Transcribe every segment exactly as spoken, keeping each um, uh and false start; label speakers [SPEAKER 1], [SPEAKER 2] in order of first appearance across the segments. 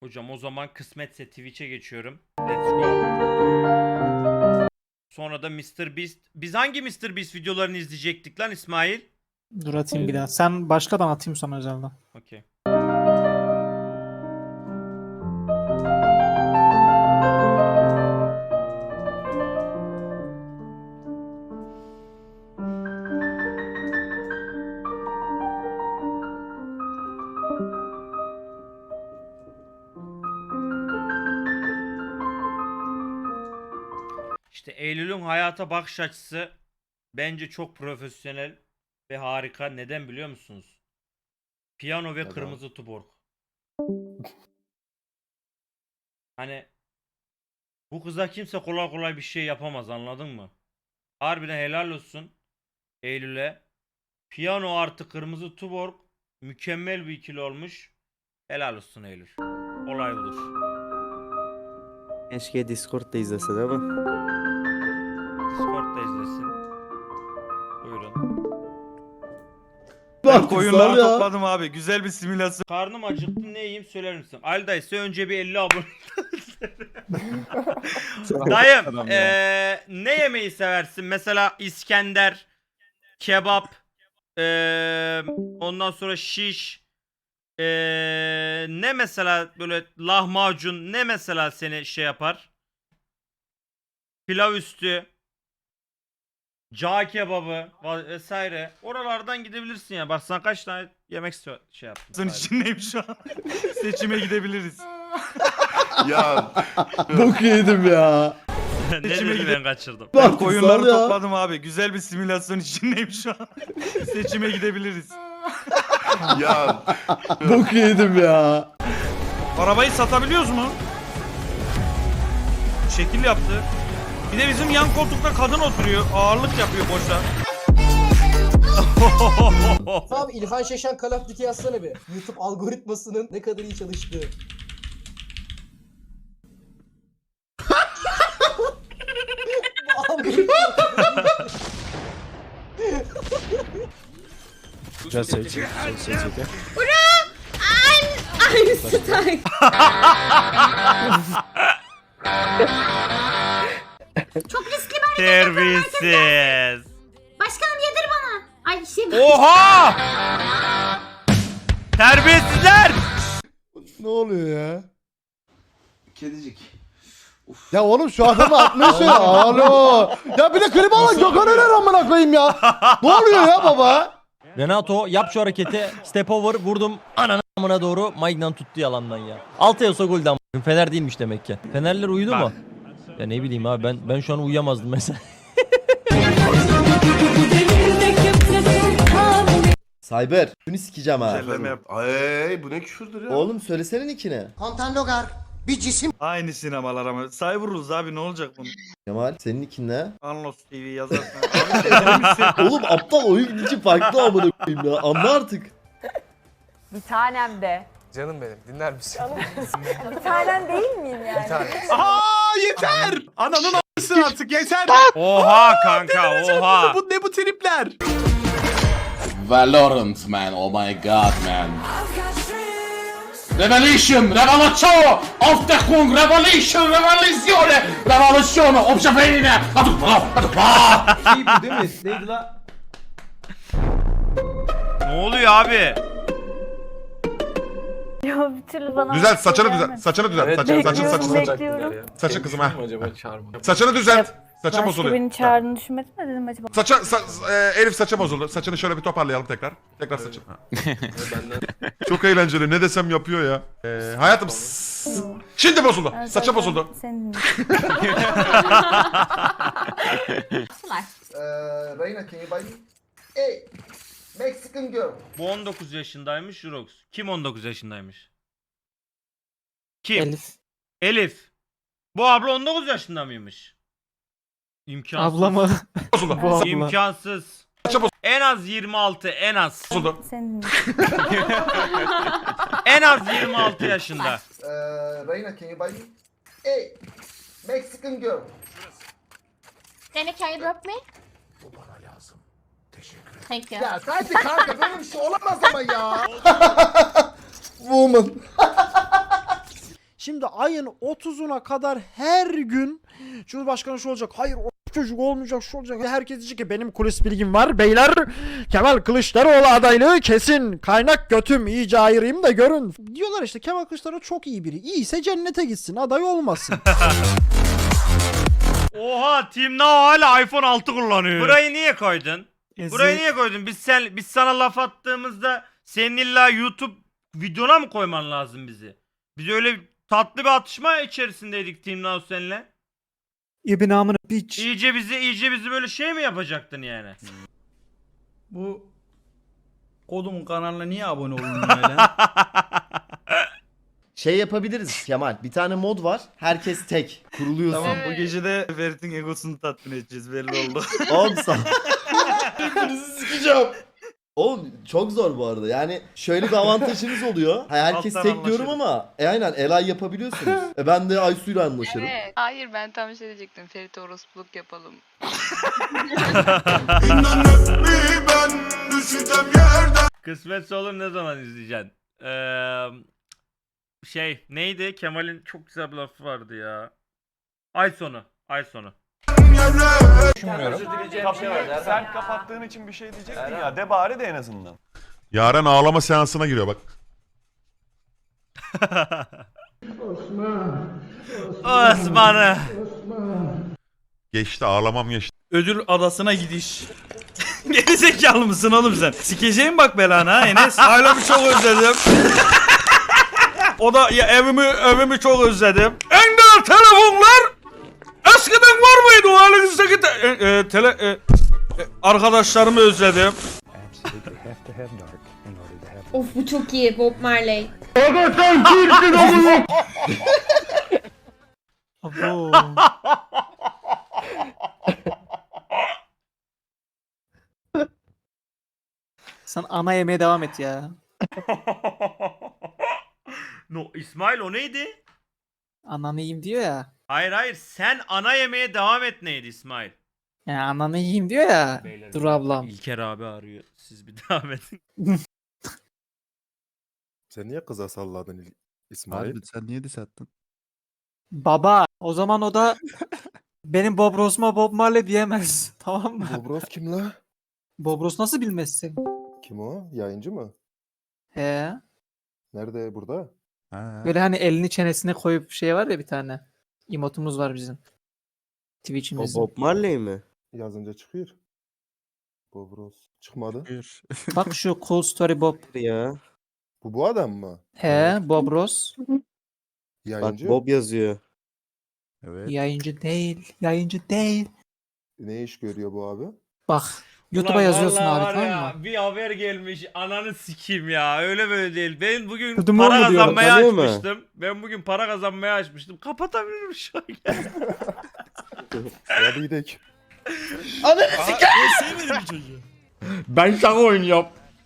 [SPEAKER 1] Hocam o zaman kısmetse Twitch'e geçiyorum. Let's go. Sonra da mister Beast. Biz hangi mister Beast videolarını izleyecektik lan İsmail?
[SPEAKER 2] Dur atayım bir daha. Sen başkadan atayım sana özelden.
[SPEAKER 1] Okey. İşte Eylül'ün hayata bakış açısı bence çok profesyonel ve harika. Neden biliyor musunuz? Piyano ve
[SPEAKER 3] Neden?
[SPEAKER 1] kırmızı tuborg. Hani bu kıza kimse kolay kolay bir şey yapamaz, anladın mı? Harbiden helal olsun Eylül'e. Piyano artı kırmızı tuborg mükemmel bir ikili olmuş. Helal olsun Eylül. Olay budur.
[SPEAKER 3] Keşke Discord'da izlese değil mi?
[SPEAKER 1] Discord'da izlesin. Buyurun.
[SPEAKER 4] Ben koyunları topladım abi. Güzel bir simülasyon.
[SPEAKER 1] Karnım acıktı, ne yiyeyim söyler misin? Ali dayı ise önce bir elli abone. Dayım
[SPEAKER 4] Adam
[SPEAKER 1] eee, ne yemeği seversin? Mesela İskender, kebap, eee, ondan sonra şiş, eee, ne mesela böyle lahmacun, ne mesela seni şey yapar? Pilav üstü, cağ kebabı va- vesaire. Oralardan gidebilirsin ya. Bak sana kaç tane yemek istiyor şey yaptım.
[SPEAKER 4] Sen içindeyim şu an. Seçime gidebiliriz.
[SPEAKER 5] Ya
[SPEAKER 3] Bok yedim ya.
[SPEAKER 1] ne
[SPEAKER 4] İçime
[SPEAKER 1] dedi
[SPEAKER 4] gidip-
[SPEAKER 1] ben kaçırdım.
[SPEAKER 3] Bak,
[SPEAKER 4] Ben koyunları
[SPEAKER 3] sal ya.
[SPEAKER 4] topladım abi. Güzel bir simülasyon içindeyim şu an. Seçime gidebiliriz.
[SPEAKER 5] ya
[SPEAKER 3] Bok yedim ya.
[SPEAKER 4] Arabayı satabiliyoruz mu? Şekil yaptı. Bir de bizim yan koltukta kadın oturuyor. Ağırlık yapıyor boşa.
[SPEAKER 6] Abi İlhan Şeşen Call of Duty yazsana bir. YouTube algoritmasının ne kadar iyi çalıştığı. Bu algoritma.
[SPEAKER 3] Güzel seç. Seç seç seç.
[SPEAKER 7] Einstein. Çok riskli bir hareket.
[SPEAKER 1] Terbiyesiz.
[SPEAKER 7] Başkanım yedir bana. Ay şey
[SPEAKER 1] Oha! Terbiyesizler!
[SPEAKER 8] Ne oluyor ya?
[SPEAKER 5] kedicik.
[SPEAKER 8] Ya oğlum şu adamı atmaya söyle. Alo. Ya bir de klip alın Gökhan Öner amına koyayım ya. Ne oluyor ya baba?
[SPEAKER 9] Renato yap şu hareketi. Step over vurdum. Ananı amına doğru. Maignan tuttu yalandan ya. Altı olsa golden. Fener değilmiş demek ki. Fenerler uyudu
[SPEAKER 1] Bak.
[SPEAKER 9] mu? Ya ne bileyim abi ben ben şu an uyuyamazdım mesela.
[SPEAKER 3] Cyber. Şunu sikeceğim ha.
[SPEAKER 4] Güzelleme yap.
[SPEAKER 5] Ay bu ne küfürdür ya.
[SPEAKER 3] Oğlum söylesene nickini.
[SPEAKER 6] Kontan Logar bir cisim.
[SPEAKER 4] Aynı sinemalar ama. Cyberrules abi ne olacak bunun?
[SPEAKER 3] Kemal senin nickin ne?
[SPEAKER 4] Anlos T V yazarsın. Abi deli misin?
[SPEAKER 3] Oğlum aptal oyun için farklı amına koyayım ya. Anla artık.
[SPEAKER 7] Bir tanem de.
[SPEAKER 10] Canım benim dinler misin?
[SPEAKER 7] Bir tanem değil miyim yani?
[SPEAKER 10] Bir tane.
[SPEAKER 4] Aa yeter! Ananın a**sı artık yeter!
[SPEAKER 1] Oha kanka, oha.
[SPEAKER 4] Bu ne bu tripler?
[SPEAKER 5] Valorant man, oh my god man. Revolution, revolution, of the Kung, revolution, revoluzione, revoluzione, obşafeyine, atık bak, atık bak.
[SPEAKER 10] Şey bu değil mi? Neydi la?
[SPEAKER 1] Ne oluyor abi?
[SPEAKER 7] Ya bir türlü bana
[SPEAKER 11] Düzelt saçını düzelt. Saçını düzelt.
[SPEAKER 10] Evet,
[SPEAKER 11] Saçını saçını
[SPEAKER 7] bekliyorum,
[SPEAKER 11] saçını.
[SPEAKER 7] bekliyorum.
[SPEAKER 11] Saçın kızım ha.
[SPEAKER 10] Acaba çağırma.
[SPEAKER 11] Saçını düzelt. Saçın bozuluyor.
[SPEAKER 7] beni çağırdığını düşünmedim de dedim acaba.
[SPEAKER 11] Saça sa- e, Elif saça bozuldu. Saçını şöyle bir toparlayalım tekrar. Tekrar saçını. Ha. Çok eğlenceli. Ne desem yapıyor ya. Ee, hayatım s- şimdi bozuldu.
[SPEAKER 7] Ben
[SPEAKER 11] Saça
[SPEAKER 7] zaten
[SPEAKER 11] bozuldu.
[SPEAKER 7] Senin
[SPEAKER 6] Eee Reyna can you buy me? Hey Mexican girl.
[SPEAKER 1] Bu on dokuz yaşındaymış Jurox. Kim on dokuz yaşındaymış? Kim?
[SPEAKER 2] Elif.
[SPEAKER 1] Elif. Bu abla on dokuz yaşında mıymış? İmkansız.
[SPEAKER 2] Abla mı?
[SPEAKER 11] Bozuldu.
[SPEAKER 2] Bu abla.
[SPEAKER 1] İmkansız.
[SPEAKER 11] Saça boz-
[SPEAKER 1] En az yirmi altı, en az.
[SPEAKER 11] bozuldu.
[SPEAKER 7] senin
[SPEAKER 1] En az yirmi altı yaşında.
[SPEAKER 6] Eee Reyna can you buy me? Hey Mexican girl.
[SPEAKER 7] Rene can you drop me? Bu bana lazım. Teşekkür ederim. Thank you.
[SPEAKER 6] Ya sadece kanka böyle bir şey olamaz ama ya.
[SPEAKER 8] Woman. ayın otuzuna kadar her gün Cumhurbaşkanı şu olacak. Hayır o çocuk olmayacak, şu olacak. Herkes diyecek ki benim kulis bilgim var. Beyler Kemal Kılıçdaroğlu adaylığı kesin. Kaynak götüm iyice ayırayım da görün. Diyorlar işte Kemal Kılıçdaroğlu çok iyi biri. İyiyse cennete gitsin, aday olmasın.
[SPEAKER 1] Oha Team Now hala iPhone altı kullanıyor. Burayı niye koydun? Burayı niye koydun? Biz sen biz sana laf attığımızda senin illa YouTube videona mı koyman lazım bizi? Biz öyle tatlı bir atışma içerisindeydik Team Now seninle.
[SPEAKER 2] İbn amına piç.
[SPEAKER 1] İyice bizi iyice bizi böyle şey mi yapacaktın yani?
[SPEAKER 4] Bu kodumun kanalına niye abone olun böyle?
[SPEAKER 3] Şey yapabiliriz Kemal. Bir tane mod var. Herkes tek. Kuruluyorsun.
[SPEAKER 4] Tamam bu gece de Ferit'in egosunu tatmin edeceğiz belli oldu.
[SPEAKER 3] Oğlum sağ. Birbirinizi sikeceğim. Oğlum çok zor bu arada. Yani şöyle bir avantajınız oluyor. Ha, herkes
[SPEAKER 4] Alttan
[SPEAKER 3] tek diyorum
[SPEAKER 4] anlaşırız.
[SPEAKER 3] ama e aynen Elay yapabiliyorsunuz. E ben de Aysu'yla anlaşırım.
[SPEAKER 7] Evet. Hayır ben tam şey diyecektim. Ferit orospuluk yapalım.
[SPEAKER 1] Kısmetse olur ne zaman izleyeceksin? Ee, şey neydi? Kemal'in çok güzel bir lafı vardı ya. Ay sonu. Ay sonu.
[SPEAKER 10] Sen kapattığın için bir şey diyecektin ya. De bari de en azından.
[SPEAKER 11] Yaren ağlama seansına giriyor bak.
[SPEAKER 1] Osman'ı.
[SPEAKER 11] Geçti ağlamam geçti.
[SPEAKER 4] Ödül adasına gidiş. Geri zekalı mısın oğlum sen? Sikeceğim bak belana ha Enes. Ailemi çok özledim. O da ya evimi evimi çok özledim. En değerli telefonlar eskiden var mıydı o halinizdeki te, e, e, tele e, e, arkadaşlarımı özledim.
[SPEAKER 7] Of bu çok iyi Bob Marley.
[SPEAKER 2] Abo. Sen ana yemeye devam et ya.
[SPEAKER 1] No İsmail o neydi?
[SPEAKER 2] Ananı yiyeyim diyor ya.
[SPEAKER 1] Hayır hayır sen ana yemeğe devam et neydi İsmail?
[SPEAKER 2] Yani ananı yiyeyim diyor ya.
[SPEAKER 1] Beyler,
[SPEAKER 2] Dur ablam.
[SPEAKER 1] İlker abi arıyor. Siz bir devam edin.
[SPEAKER 8] Sen niye kıza salladın İsmail?
[SPEAKER 10] Sen niye diss attın?
[SPEAKER 2] Baba o zaman o da benim Bob Ross'uma Bob Marley diyemez. Tamam mı?
[SPEAKER 8] Bobros kim la?
[SPEAKER 2] Bob Ross nasıl bilmezsin?
[SPEAKER 8] Kim o? Yayıncı mı?
[SPEAKER 2] He.
[SPEAKER 8] Nerede burada?
[SPEAKER 2] Böyle hani elini çenesine koyup şey var ya bir tane. Emotumuz var bizim. Twitch'imizin.
[SPEAKER 3] Marley mi?
[SPEAKER 8] Yazınca çıkıyor. Bobros. Çıkmadı.
[SPEAKER 2] Bak şu Cool Story Bob.
[SPEAKER 3] Ya.
[SPEAKER 8] Bu bu adam mı?
[SPEAKER 2] He Bob Ross.
[SPEAKER 8] Yayıncı.
[SPEAKER 3] yazıyor.
[SPEAKER 2] Yayıncı değil. Yayıncı değil.
[SPEAKER 8] Ne iş görüyor bu abi?
[SPEAKER 2] Bak YouTube'a
[SPEAKER 1] Ulan
[SPEAKER 2] yazıyorsun
[SPEAKER 1] vallahi
[SPEAKER 2] abi
[SPEAKER 1] var
[SPEAKER 2] tamam
[SPEAKER 1] ya,
[SPEAKER 2] mı?
[SPEAKER 1] bir haber gelmiş ananı sikeyim ya öyle böyle değil. Ben bugün
[SPEAKER 2] Kırdım
[SPEAKER 1] para
[SPEAKER 2] oğlu diyorum,
[SPEAKER 1] kazanmaya
[SPEAKER 3] tanıyor mu?
[SPEAKER 1] açmıştım. Ben bugün para kazanmaya açmıştım. Kapatabilirim şu an.
[SPEAKER 8] Hadi gidelim.
[SPEAKER 5] Ben sana oynuyorum.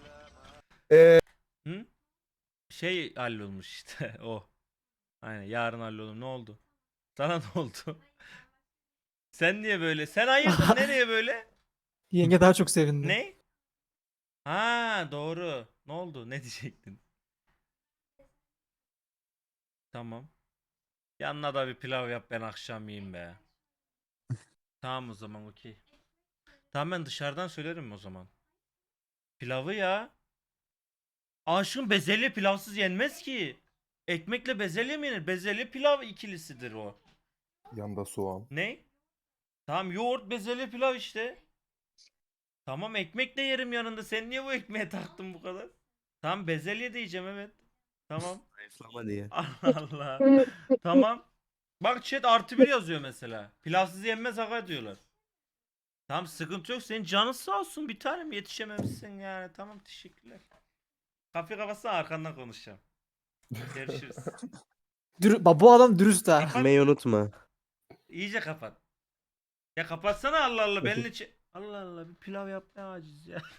[SPEAKER 1] Hı? Şey hallolmuş işte o. Aynen yarın hallolur. Ne oldu? Sana ne oldu? Sen niye böyle? Sen hayırdır nereye böyle?
[SPEAKER 2] Yenge daha çok sevindi.
[SPEAKER 1] Ne? Ha doğru. Ne oldu? Ne diyecektin? Tamam. Yanına da bir pilav yap ben akşam yiyeyim be. Tamam o zaman okey. Tamam ben dışarıdan söylerim o zaman. Pilavı ya. Aşkım bezelye pilavsız yenmez ki. Ekmekle bezelye mi yenir? Bezelye pilav ikilisidir o.
[SPEAKER 8] Yanda soğan.
[SPEAKER 1] Ne? Tamam yoğurt bezelye pilav işte. Tamam ekmek de yerim yanında. Sen niye bu ekmeğe taktın bu kadar? Tamam bezelye de yiyeceğim evet. Tamam.
[SPEAKER 3] diye.
[SPEAKER 1] Allah Allah. Tamam. Bak chat artı bir yazıyor mesela. Pilavsız yenmez aga diyorlar. Tamam sıkıntı yok. Senin canın sağ olsun. Bir tanem yetişememişsin yani. Tamam teşekkürler. Kafe kafasına arkandan konuşacağım. Görüşürüz.
[SPEAKER 2] Dür Bak, bu adam dürüst ha.
[SPEAKER 3] Meyi unutma.
[SPEAKER 1] İyice kapat. Ya kapatsana Allah Allah. Benimle çe- Allah Allah bir pilav yapmaya aciz ya.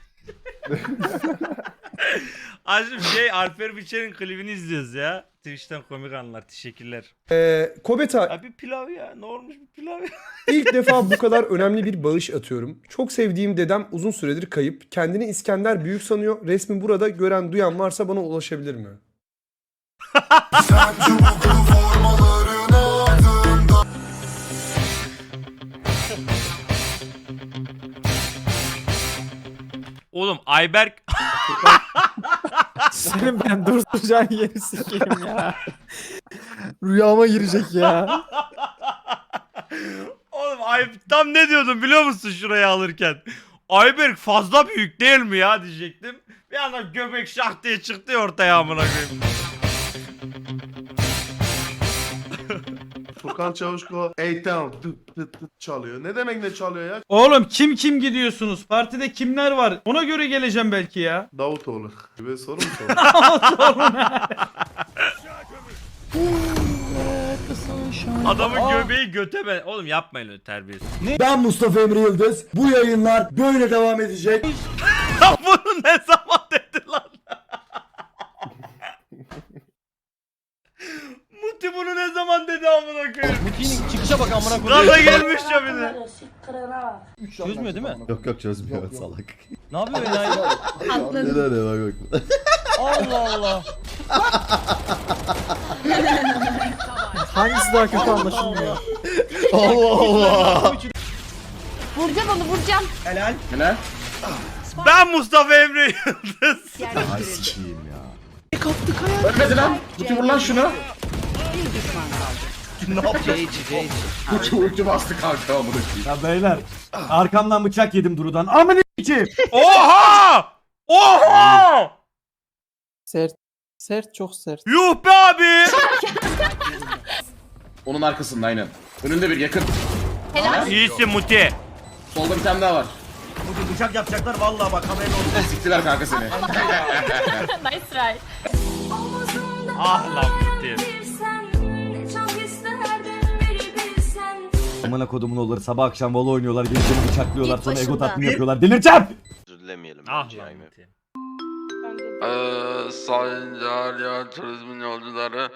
[SPEAKER 1] Acım şey Alper Biçer'in klibini izliyoruz ya. Twitch'ten komik anlar. Teşekkürler.
[SPEAKER 10] Ee, Kobeta
[SPEAKER 1] Abi pilav ya. Ne olmuş bir pilav ya?
[SPEAKER 10] ilk defa bu kadar önemli bir bağış atıyorum. Çok sevdiğim dedem uzun süredir kayıp. Kendini İskender Büyük sanıyor. Resmi burada gören duyan varsa bana ulaşabilir mi?
[SPEAKER 1] Oğlum Ayberk
[SPEAKER 2] Senin ben durduracağın yeri sikeyim ya. Rüyama girecek ya.
[SPEAKER 1] Oğlum ay tam ne diyordum biliyor musun şurayı alırken? Ayberk fazla büyük değil mi ya diyecektim. Bir anda göbek şah diye çıktı ya ortaya amına koyayım.
[SPEAKER 5] Furkan Çavuşko Eytan tıt tıt tıt çalıyor. Ne demek ne çalıyor ya?
[SPEAKER 4] Oğlum kim kim gidiyorsunuz? Partide kimler var? Ona göre geleceğim belki ya.
[SPEAKER 5] Davutoğlu. Böyle soru mu soruyor?
[SPEAKER 1] Adamın göbeği göte ben. Oğlum yapmayın öyle terbiyesiz.
[SPEAKER 3] Ben Mustafa Emre Yıldız. Bu yayınlar böyle devam edecek.
[SPEAKER 1] Bunu ne zaman dedi lan? Muti bunu ne zaman dedi amına koyayım?
[SPEAKER 9] Muti'nin çıkışa bak amına koyayım.
[SPEAKER 1] Gaza gelmiş ya bir de.
[SPEAKER 9] Çözmüyor değil mi?
[SPEAKER 3] Yok yok çözmüyor salak.
[SPEAKER 9] Ne yapıyor enayi?
[SPEAKER 3] Ne de ne bak bak.
[SPEAKER 9] Allah Allah.
[SPEAKER 2] Hangisi daha kötü anlaşılmıyor.
[SPEAKER 3] Allah Allah.
[SPEAKER 7] Vuracağım onu vuracağım.
[SPEAKER 5] Helal.
[SPEAKER 1] Ben Mustafa Emre Yıldız.
[SPEAKER 3] Ay sikiyim ya.
[SPEAKER 5] Ölmedi lan. Kutu vur lan şunu. Kutu ulti bastı kanka amına koyayım.
[SPEAKER 4] Ya beyler arkamdan bıçak yedim Duru'dan. Amına içi.
[SPEAKER 1] Oha! Oha!
[SPEAKER 2] Sert. Sert çok sert.
[SPEAKER 1] Yuh be abi!
[SPEAKER 5] Onun arkasında aynen. Önünde bir yakın.
[SPEAKER 7] Helal.
[SPEAKER 1] İyisin Muti.
[SPEAKER 5] Solda bir tane daha var.
[SPEAKER 4] Bugün bıçak yapacaklar vallahi bak haberin olsun.
[SPEAKER 5] Siktiler kanka seni.
[SPEAKER 7] Nice try.
[SPEAKER 1] Ah lan Muti.
[SPEAKER 4] Amına kodumun oğulları sabah akşam vola oynuyorlar, gençleri bıçaklıyorlar,
[SPEAKER 7] Git
[SPEAKER 4] sonra ego
[SPEAKER 7] başımdan.
[SPEAKER 4] tatmin yapıyorlar. Delireceğim!
[SPEAKER 1] Ah lan Muti.
[SPEAKER 5] Eee Sayın Cahiliye Turizmin yolcuları.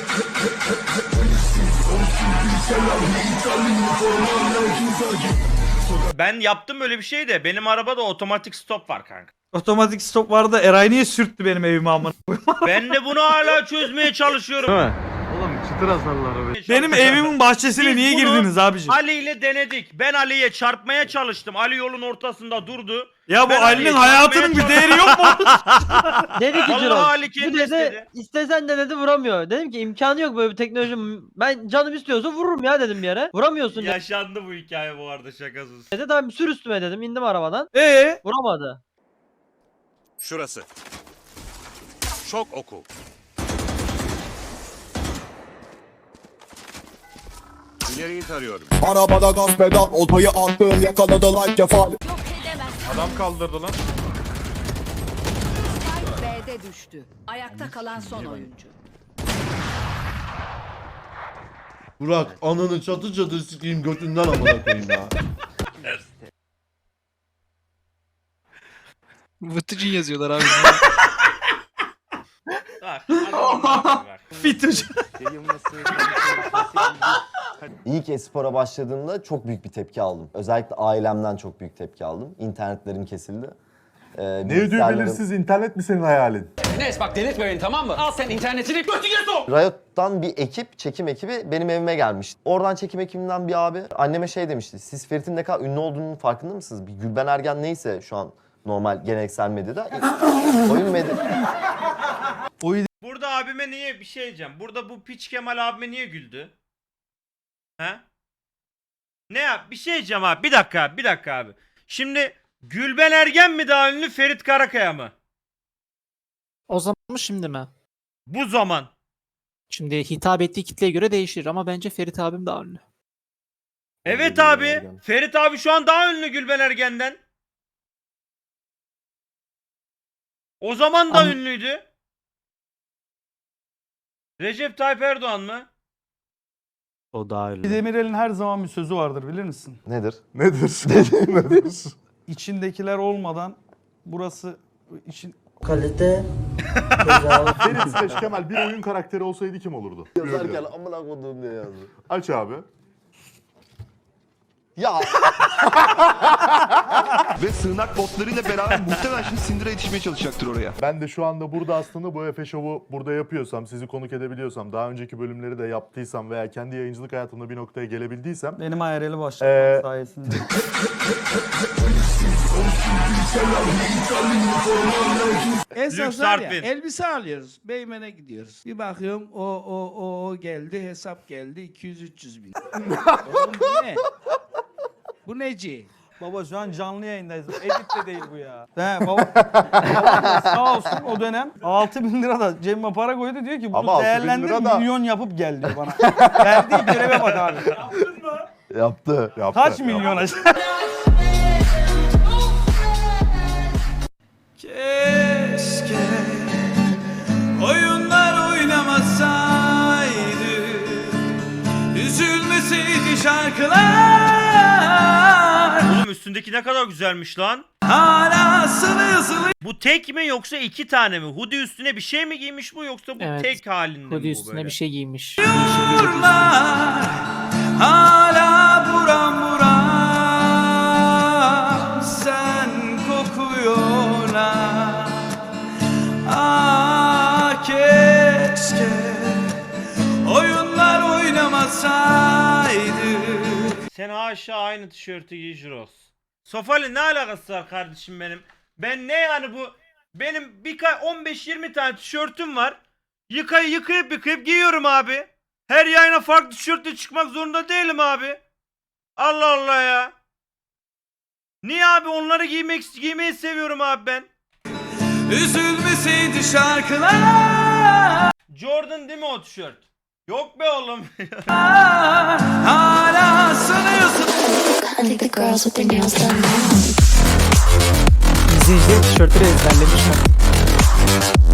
[SPEAKER 1] Ben yaptım böyle bir şey de benim arabada otomatik stop var kanka.
[SPEAKER 4] Otomatik stop vardı. Eray niye sürttü benim evime amına?
[SPEAKER 1] Ben de bunu hala çözmeye çalışıyorum.
[SPEAKER 5] Oğlum çıtır hasarlar be.
[SPEAKER 4] Benim evimin bahçesine
[SPEAKER 1] Biz
[SPEAKER 4] niye
[SPEAKER 1] bunu
[SPEAKER 4] girdiniz abiciğim?
[SPEAKER 1] Ali ile denedik. Ben Ali'ye çarpmaya çalıştım. Ali yolun ortasında durdu.
[SPEAKER 4] Ya bu
[SPEAKER 1] Ben
[SPEAKER 4] Ali'nin
[SPEAKER 1] Ali'ye
[SPEAKER 4] hayatının bir
[SPEAKER 1] çarpmaya
[SPEAKER 4] değeri yok mu?
[SPEAKER 9] Dedi ki
[SPEAKER 1] Vallahi
[SPEAKER 9] Ciro.
[SPEAKER 1] Ali
[SPEAKER 9] Bu
[SPEAKER 1] kendi
[SPEAKER 9] dedi
[SPEAKER 1] istedi.
[SPEAKER 9] istesen de dedi vuramıyor. Dedim ki imkanı yok böyle bir teknoloji. Ben canım istiyorsa vururum ya dedim bir yere. Vuramıyorsun
[SPEAKER 1] Yaşandı bu hikaye bu arada şakasız.
[SPEAKER 9] dedi. Tamam sür üstüme dedim. İndim arabadan.
[SPEAKER 4] Ee?
[SPEAKER 9] Vuramadı.
[SPEAKER 5] Şurası. Şok oku. İleriyi tarıyorum.
[SPEAKER 3] Arabada gaz pedal, oltayı attım, yakaladı like kefal.
[SPEAKER 11] Adam kaldırdı lan.
[SPEAKER 7] B'de düştü. Ayakta kalan son oyuncu.
[SPEAKER 3] Burak ananı çatı çatı sikeyim götünden amına koyayım ya.
[SPEAKER 2] Vıtıcın yazıyorlar abi.
[SPEAKER 1] Bak, adamın bak.
[SPEAKER 4] Fituş.
[SPEAKER 3] İlk espora başladığımda çok büyük bir tepki aldım. Özellikle ailemden çok büyük tepki aldım. İnternetlerim kesildi. Ee,
[SPEAKER 5] Ne ödüğü belirsiz internet mi senin hayalin?
[SPEAKER 6] Enes bak delirtme beni tamam mı? Al sen internetini götüne sok.
[SPEAKER 3] Riot'tan bir ekip, çekim ekibi benim evime gelmişti. Oradan çekim ekibinden bir abi anneme şey demişti. Siz Ferit'in ne kadar ünlü olduğunun farkında mısınız? Bir Gülben Ergen neyse şu an normal geleneksel medyada. Oyun medya.
[SPEAKER 1] Burada abime niye bir şey diyeceğim. Burada bu piç Kemal abime niye güldü? He? Ne yap? Bir şey diyeceğim abi. Bir dakika abi. Bir dakika abi. Şimdi Gülben Ergen mi daha ünlü Ferit Karakaya mı?
[SPEAKER 2] O zaman mı şimdi mi?
[SPEAKER 1] Bu zaman.
[SPEAKER 2] Şimdi hitap ettiği kitleye göre değişir ama bence Ferit abim daha ünlü.
[SPEAKER 1] Evet
[SPEAKER 3] Gülben
[SPEAKER 1] abi.
[SPEAKER 3] Ergen.
[SPEAKER 1] Ferit abi şu an daha ünlü Gülben Ergen'den. O zaman da
[SPEAKER 2] An-
[SPEAKER 1] ünlüydü. Recep Tayyip Erdoğan mı?
[SPEAKER 2] O daha ünlü.
[SPEAKER 4] Demirel'in her zaman bir sözü vardır bilir misin?
[SPEAKER 3] Nedir?
[SPEAKER 11] Nedir? Nedir?
[SPEAKER 4] İçindekiler olmadan burası için
[SPEAKER 6] Kalite.
[SPEAKER 5] Ferit Seç Kemal bir oyun karakteri olsaydı kim olurdu?
[SPEAKER 3] Yazarken amına koduğum diye yazdı.
[SPEAKER 5] Aç abi.
[SPEAKER 3] Ya
[SPEAKER 5] Ve sığınak botlarıyla beraber muhtemelen şimdi Syndra yetişmeye çalışacaktır oraya.
[SPEAKER 10] Ben de şu anda burada aslında bu Efe Show'u burada yapıyorsam, sizi konuk edebiliyorsam, daha önceki bölümleri de yaptıysam veya kendi yayıncılık hayatımda bir noktaya gelebildiysem
[SPEAKER 4] Benim I R L'i
[SPEAKER 10] Ee,
[SPEAKER 4] başlatmam sayesinde.
[SPEAKER 1] Lüks Artvin.
[SPEAKER 5] elbise alıyoruz. Beymen'e gidiyoruz. Bir bakıyorum o o o, o geldi hesap geldi iki yüz üç yüz bin. Oğlum bu ne? Bu neci?
[SPEAKER 4] Baba şu an canlı yayındayız. Edit de değil bu ya. He baba. baba sağ olsun o dönem altı bin lira da cebime para koydu diyor ki
[SPEAKER 10] Ama
[SPEAKER 4] bunu
[SPEAKER 10] altı bin
[SPEAKER 4] değerlendir
[SPEAKER 10] lira da-
[SPEAKER 4] milyon yapıp gel diyor bana. Verdiği göreve bak abi.
[SPEAKER 3] yaptı.
[SPEAKER 10] yaptı.
[SPEAKER 4] Kaç milyon acaba? Keşke oyunlar oynamasaydı, üzülmeseydi şarkılar.
[SPEAKER 1] Oğlum üstündeki ne kadar güzelmiş lan.
[SPEAKER 4] Hala sıvı sıvı.
[SPEAKER 1] Bu tek mi yoksa iki tane mi? Hoodie üstüne bir şey mi giymiş bu yoksa bu
[SPEAKER 2] Evet.
[SPEAKER 1] tek halinde mi
[SPEAKER 2] Hoodie
[SPEAKER 1] bu
[SPEAKER 2] üstüne
[SPEAKER 1] böyle?
[SPEAKER 2] bir şey giymiş.
[SPEAKER 4] Hala buram buram sen kokuyorlar. Ah keşke oyunlar oynamasaydı.
[SPEAKER 1] Sen haşa aynı tişörtü giy Jiros. Sofali ne alakası var kardeşim benim? Ben ne yani bu? Benim birkaç on beş yirmi tane tişörtüm var. Yıkayı yıkayıp yıkayıp giyiyorum abi. Her yayına farklı tişörtle çıkmak zorunda değilim abi. Allah Allah ya. Niye abi onları giymek giymeyi seviyorum abi ben.
[SPEAKER 4] Üzülmeseydi şarkılar.
[SPEAKER 1] Jordan değil mi o tişört? Yok be oğlum.
[SPEAKER 4] Hala sanıyorsun.
[SPEAKER 2] İzleyiciler tişörtleri ezberlemiş.